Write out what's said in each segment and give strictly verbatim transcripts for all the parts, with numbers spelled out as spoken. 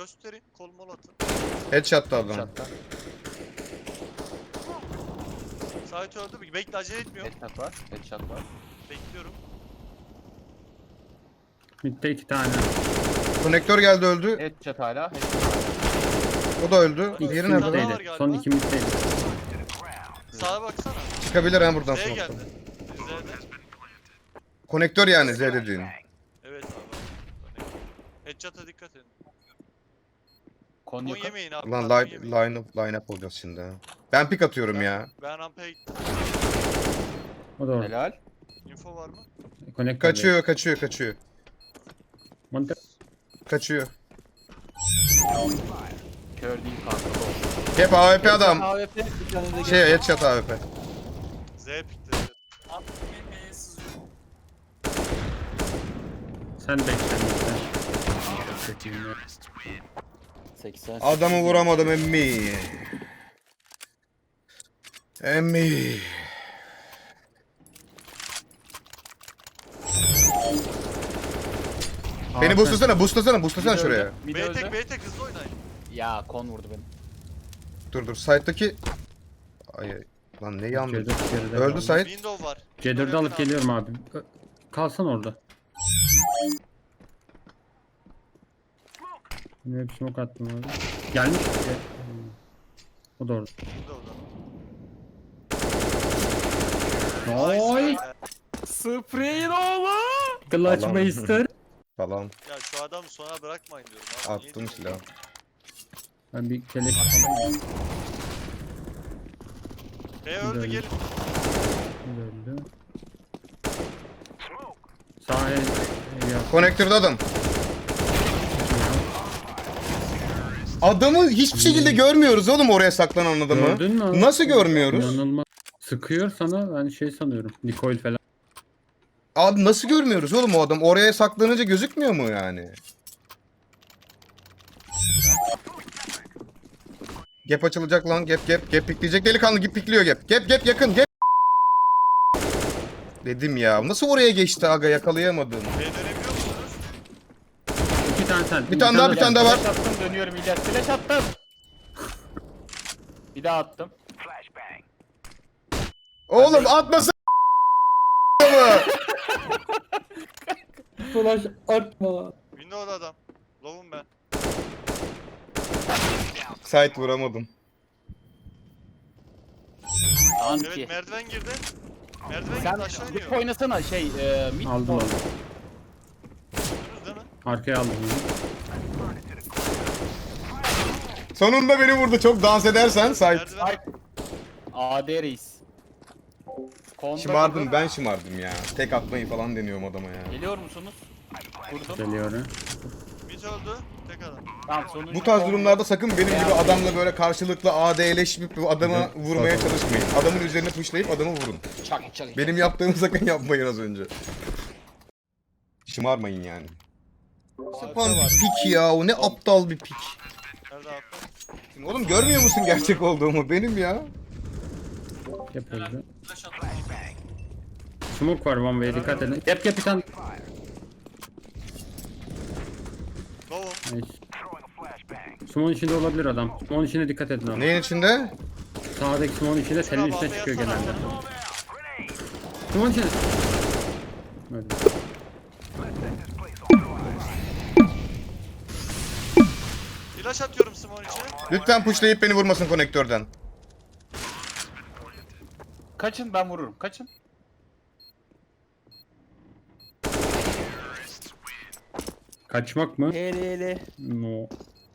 Gösterin. Kol mol atın. Headshot'ta adam. Headshot'ta. Sait öldü mü? Bekle, acele etmiyorum. Headshot var. Headshot var. Bekliyorum. Mid'de iki tane. Konektör geldi öldü. Headshot hala. Headshot. O da öldü. İkisi Diğeri Nerede? nerede? Daha var middeydi. galiba. Son iki middeydi. Sağa baksana. Çıkabilir ha buradan Z'ye sonra. geldi. Z'de. Konektör yani Z dediğin. Evet abi. Headshot'a dikkat edin. Kon Kon yakın. yemeyin abi. Ulan kon line, yemeyin. line up, line up olacağız şimdi ha. Ben pik atıyorum ya. Ben rampaya gittim. O da orada. Helal. Info var mı? Konektör. Kaçıyor, kaçıyor, kaçıyor. Monitör. Kaçıyor. Kör değil kanka. bu. Hep A W P adam. A W P bir tane de Şey headshot A W P. Z pikte. Sen bekle. Sen. Kötüyüm ya. seksen. Adamı vuramadım emmi. Emmi. Beni Aa, boostlasana, boostlasana, boostlasana Mid şuraya. öldü, mid B öldü. tek B tek hızlı oynayın. Ya kon vurdu beni. Dur dur, site'daki... Ay ay. Lan ne yandı? C dört geride Öldü kaldı. site. Window var. C dördü alıp geliyorum abi. Ö- Kalsan orada. Ne bir smoke attım abi. Gelmiş. ki. Hmm. O da orada. Window'da. Oy! Nice. Spray'in oğlu. Clutch Allah'ım. Meister. Falan. Ya şu adamı sona bırakmayın diyorum abi. Niye Attım diyorsun? silahı. Ben bir keleş alayım. B öldü, Güzel. gelin. Öldü. Sağ el. el yap. Konektörde adam. Adamı hiçbir şekilde görmüyoruz oğlum, oraya saklanan adamı. Gördün mü abi? Nasıl görmüyoruz? İnanılmaz. Sıkıyor sana, ben şey sanıyorum. Recoil falan. Abi nasıl görmüyoruz oğlum o adam? Oraya saklanınca gözükmüyor mu yani? Gap açılacak lan, gap gap gap pikleyecek delikanlı, gap pikliyor gap. Gap gap yakın gap. Dedim ya, nasıl oraya geçti aga, yakalayamadım. B dönebiliyor musunuz? İki tane sen. Bir tane daha, bir tane daha var. Flash attım, dönüyorum İlyas. Flash attım. Bir daha attım. Oğlum atmasın mı? Flash atma. Window'da adam. Low'um ben. Site vuramadım. Anti. Evet, merdiven girdi. Merdiven Sen girdi, aşağı bir iniyor. oynasana şey e, mid Aldım port. aldım. Duydunuz değil mi? Arkaya aldım. Sonunda beni vurdu, çok dans edersen site. Merdiven. Ay. A D reis. Konda Şımardım, vurdum. ben şımardım ya. Tek atmayı falan deniyorum adama ya. Geliyor musunuz? Vurdum. Geliyor ha. Mid öldü. Tek adam. Tamam sonuncu. Bu tarz kon- durumlarda sakın benim gibi adamla böyle karşılıklı A D'leşip bu adamı Evet, vurmaya pardon. çalışmayın. Adamın üzerine pushlayıp adamı vurun. Çak çak. Benim yaptığımı sakın yapmayın az önce. Şımarmayın yani. Sapan bir pik ya, o ne aptal bir pik. Nerede abi? Oğlum görmüyor musun gerçek olduğumu? Benim ya. Yapıldı. Smoke var one way, dikkat edin. Yap yap bir tane. Low'um. Nice. Smoke'un içinde olabilir adam. Smoke'un içine dikkat edin abi. Neyin içinde? Sağdaki smoke'un içinde telin üstüne çıkıyor genelde. Smoke'un içinde. Öyle. Flash atıyorum Simon içine. Lütfen pushlayıp beni vurmasın konektörden. Kaçın ben vururum. Kaçın. Kaçmak mı? Hele hele. No.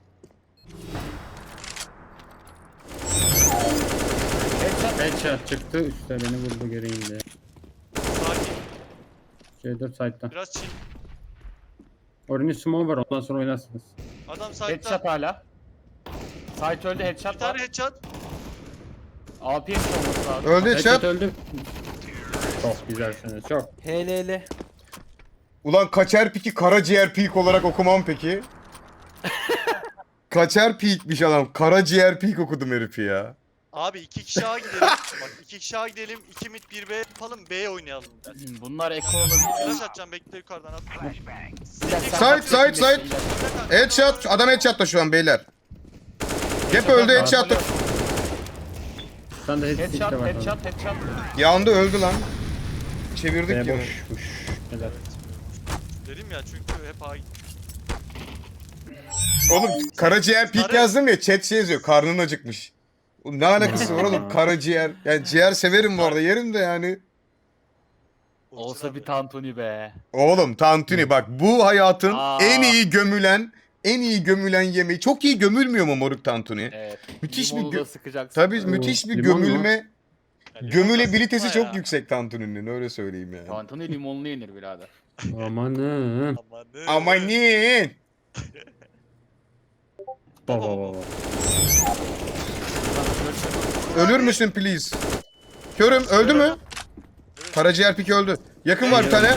Headshot. Headshot çıktı, üstte beni vurdu geri indi. Sakin. C dört side'da. Biraz chill. Orange smoke var, ondan sonra oynarsınız. Adam side'da. Headshot hala. Site öldü Bir headshot tane var. headshot. A P M olması lazım. Öldü Headshot chat. öldü. Çok güzelsiniz, çok. Hele hele. Ulan kaçer piki karaciğer pik olarak okumam peki? Kaçer pikmiş adam. Karaciğer pik okudum herifi ya. Abi iki kişi A gidelim. Bak iki kişi A gidelim. iki mid bir B yapalım. B'ye oynayalım. Bunlar eko olabilir. Flash atacağım bekle yukarıdan at. Side side side. Headshot. Adam headshot'ta şu an beyler. Gap öldü headshot'ta. Sen de headshot Headshot, var. headshot, headshot. Yandı öldü lan. Çevirdik B ya. boşmuş. Helal. Dedim ya çünkü hep A gitti. Oğlum karaciğer pik Sarı- yazdım ya chat şey yazıyor karnın acıkmış. Ne alakası var oğlum karaciğer. Yani ciğer severim bu arada yerim de yani. Olsa bir tantuni be. Oğlum tantuni bak bu hayatın Aa. en iyi gömülen en iyi gömülen yemeği. Çok iyi gömülmüyor mu moruk tantuni? Evet. Müthiş bir Limonu gö- da sıkacaksın. Tabii müthiş bir Limon mu? gömülme, Yani gömülebilitesi sıkma çok ya. yüksek tantuninin öyle söyleyeyim yani. Tantuni limonlu yenir birader. Amanın. Amanın. Amanin. Baba baba. Ölür müsün please? Körüm öldü mü? Karaciğer pik öldü. Yakın var bir tane.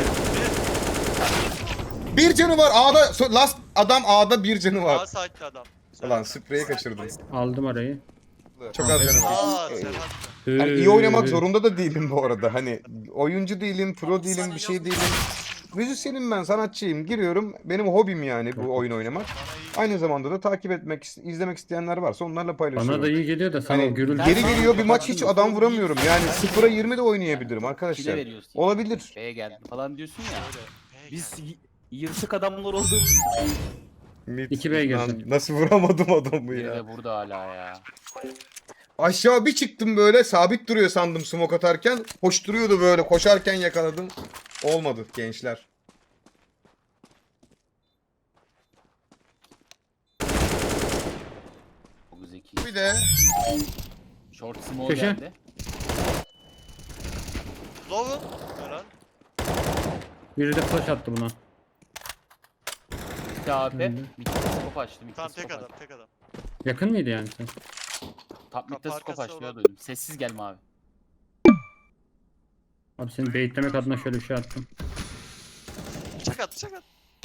Bir canı var A'da. so- Last adam A'da bir canı A var. site'li adam. Ulan spreyi kaçırdım. Aldım arayı. Çok az canım var. Aa Serhat. Hani iyi oynamak zorunda da değilim bu arada. Hani oyuncu değilim, pro değilim, bir şey değilim. Müzisyenim ben, sanatçıyım. Giriyorum. Benim hobim yani bu oyun oynamak. Bana iyi. Aynı zamanda da takip etmek, izlemek isteyenler varsa onlarla paylaşıyorum. Bana da iyi geliyor da sana Hani gürültü. geri geliyor bir maç hiç adam vuramıyorum. Yani sıfıra yirmi de oynayabilirim Kile arkadaşlar. veriyorsun. Olabilir. B'ye geldim falan diyorsun ya. Öyle. Hey, Biz y- yırtık adamlar olduğumuz Mid- İki B'ye Lan girdim. nasıl vuramadım adamı biri ya. de burada hala ya. Aşağı bir çıktım böyle sabit duruyor sandım smoke atarken. Hoş duruyordu böyle koşarken yakaladım. Olmadı gençler. Çok zeki. Bir de Short small Köşe. geldi. Lovun. Helal. Biri de flash attı buna. Bir A P. Hı. Mid'de scope açtı. Mid'de Tamam tek scope adam açtı. tek adam. Yakın mıydı yani sen? Top mid'de Kapı scope arkası açtı ya olan. duydum. Sessiz gelme abi. Abi seni baitlemek adına şöyle bir şey attım. Bıçak at bıçak at.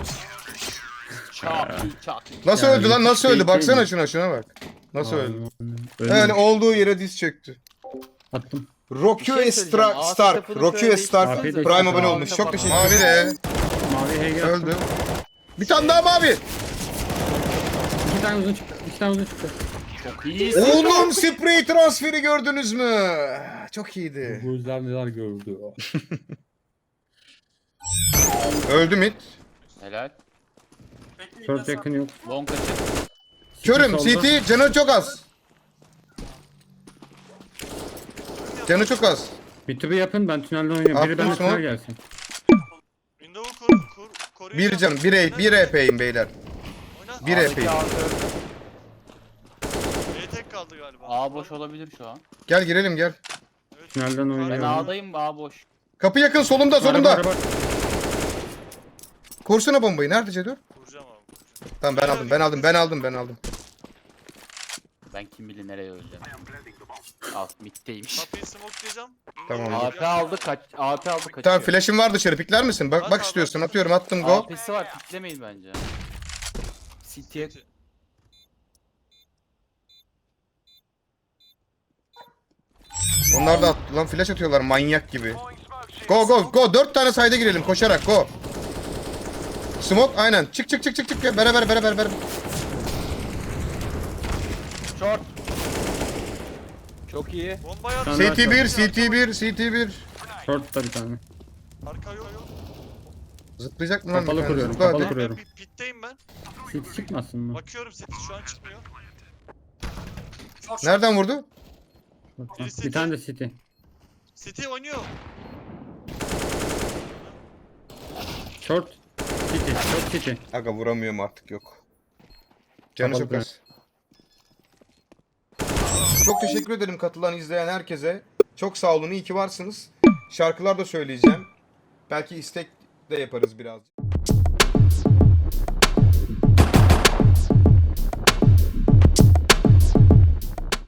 Çak çak. nasıl Ya, öldü lan nasıl şey öldü baksana değil mi? şuna şuna bak. Nasıl öldü? Öyle Yani olduğu yere diz çöktü. attım. Rocky Bir şey söyleyeceğim. Stark, Aa, Stark, tarafını Rocky şöyle Stark değiştirsenize. Prime abone Aa, olmuş. Çok kapat. teşekkür ederim. Mavi de Mavi H G attım. öldü. Bir tane daha mavi. İki tane uzun çıktı. İki tane uzun çıktı. Çok iyisin. Oğlum sprey transferi gördünüz mü? Çok iyiydi. Gözler neler gördü. Öldü mid. Helal. Short yakın yok. Long açık. Körüm solda. C T canı çok az. Canı çok az. Bir tübü yapın ben tünelden oynuyorum. Biri Attım benden smoke. tünel gelsin. Window'u kur kur koruyacağım. Bir canım, bir E, bir E P'yim beyler. Oyna. Bir A'daki epey. A öldü. B tek kaldı galiba. A boş olabilir şu an. Gel girelim gel. Evet. Tünelden Ben oynuyorum. A'dayım A boş. Kapı yakın solumda Araba, solumda. araba. Kursana bombayı. Nerede Cedor? Vuracağım abi. Tamam ben aldım ben aldım ben aldım ben aldım. Ben kim bilir nereye öleceğim. Alt middeymiş. Kapıyı smokelayacağım. Tamam. A P aldı kaç A P aldı kaçıyor. Tamam flash'im var dışarı pikler misin? Bak bak istiyorsun atıyorum attım go. A P'si var piklemeyin bence. City'ye Onlar da attı lan flash atıyorlar manyak gibi. Go go go dört tane sayda girelim koşarak go. Smoke aynen çık çık çık çık çık beraber beraber beraber. short. Çok iyi. Bomba yap. Sen- C T bir C T bir C T bir. Short'ta bir tane. Arka yok yok. Zıplayacak mı lan? Kapalı bir tane? kuruyorum, Zıpla kapalı hadi. kuruyorum. Ben pit- pitteyim ben. City çıkmasın mı? Bakıyorum seti şu an çıkmıyor. Nereden vurdu? Bir tane de City. City oynuyor. Short. City. Short City. Aga vuramıyorum artık yok. Canı Kapalı çok kuruyorum. az. Çok teşekkür ederim katılan izleyen herkese. Çok sağ olun iyi ki varsınız. Şarkılar da söyleyeceğim. Belki istek de yaparız biraz.